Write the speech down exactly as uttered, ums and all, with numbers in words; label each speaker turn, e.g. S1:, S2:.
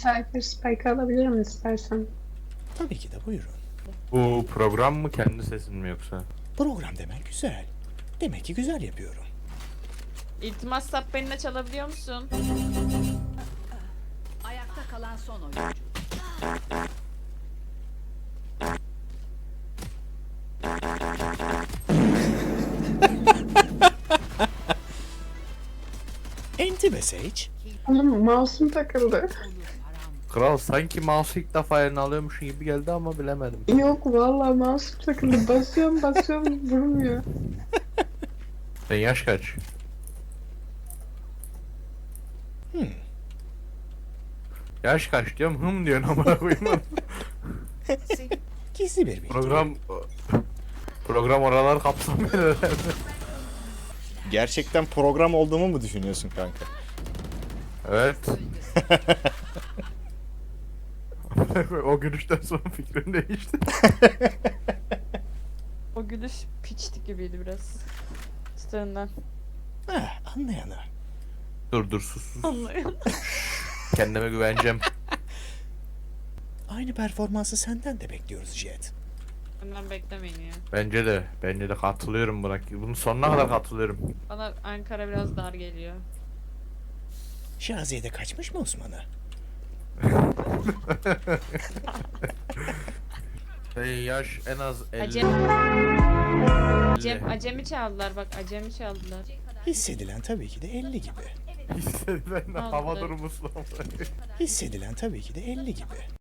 S1: Cypher Spike alabilirim istersen.
S2: Tabii ki de buyurun.
S3: Bu program mı, kendi sesin mi yoksa?
S2: Program demek güzel. Demek ki güzel yapıyorum.
S4: İltimas sap benimle çalabiliyor musun?
S5: Ayakta kalan son oyuncu.
S2: Enti be Sage.
S1: Oğlum mouse'um takıldı.
S3: Kral sanki mouse'u ilk defa eline alıyormuşsun gibi geldi ama bilemedim.
S1: Yok vallahi mouse'um takıldı. Basıyorum basıyorum vurmuyor.
S3: Sen yaş kaç?
S2: Hmm.
S3: Yaş kaç diyorum, hım diyorsun amına koyayım.
S2: Gizli bir bilgi.
S3: Program... Program oralar kapsamıyor herhalde.
S2: Gerçekten program olduğumu mu düşünüyorsun kanka?
S3: Evet. O gülüşten sonra fikrim değişti.
S4: O gülüş piçti gibiydi biraz. Çıtığından.
S2: Ha, anlayanı.
S3: Dur dur sus sus.
S4: Anlıyorum.
S3: Kendime güveneceğim.
S2: Aynı performansı senden de bekliyoruz Jet.
S4: Benden beklemeyin ya.
S3: Bence de. Bence de katılıyorum buna. Bunun sonuna kadar katılıyorum.
S4: Bana Ankara biraz dar geliyor.
S2: Şaziye'de kaçmış mı Osman'ı?
S3: Hey, yaş en az elli.
S4: Acem. Acem, acemi çaldılar bak, acemi çaldılar.
S2: Hissedilen tabii ki de elli gibi.
S3: Hissedilen
S4: Aldı.
S3: hava durumu sınavı.
S2: Hissedilen tabii ki de elli gibi.